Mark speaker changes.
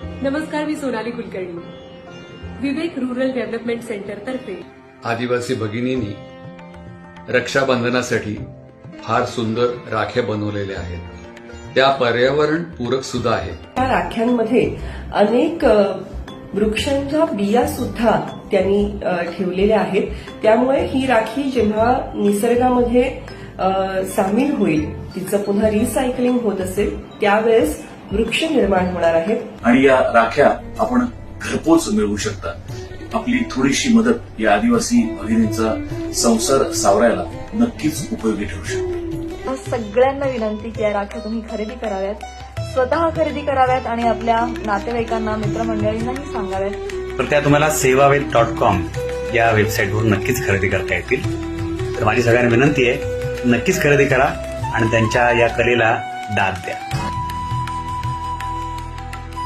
Speaker 1: नमस्कार, मी Sonali Kulkarni. Vivek rural development centre तर्फे
Speaker 2: आदिवासी भगिनींनी रक्षाबंधनासाठी फार सुंदर राख्या बनवलेल्या आहेत. त्या पर्यावरण पूरक सुद्धा आहेत.
Speaker 3: या राख्यांमध्ये अनेक वृक्षांच्या बिया सुद्धा त्यांनी ठेवलेल्या आहेत. त्यामुळे ही राखी जेव्हा निसर्गामध्ये सामील होईल, तिचं पुन्हा रिसायकलिंग होत असेल, त्यावेळेस वृक्ष निर्माण होणार आहेत.
Speaker 4: आणि या राख्या आपण घरपोच मिळवू शकता. आपली थोडीशी मदत या आदिवासी भगिनींचा संसार सावरायला नक्कीच उपयोगी ठरू शकते.
Speaker 5: सगळ्यांना विनंती की या राख्या तुम्ही खरेदी कराव्यात, स्वतः खरेदी कराव्यात आणि आपल्या नातेवाईकांना, मित्रमंडळींनाही सांगाव्यात.
Speaker 6: तर त्या तुम्हाला sevavet.com या वेबसाईटवर नक्कीच खरेदी करता येतील. तर माझी सगळ्यांना विनंती आहे, नक्कीच खरेदी करा आणि त्यांच्या या कलेला दाद द्या.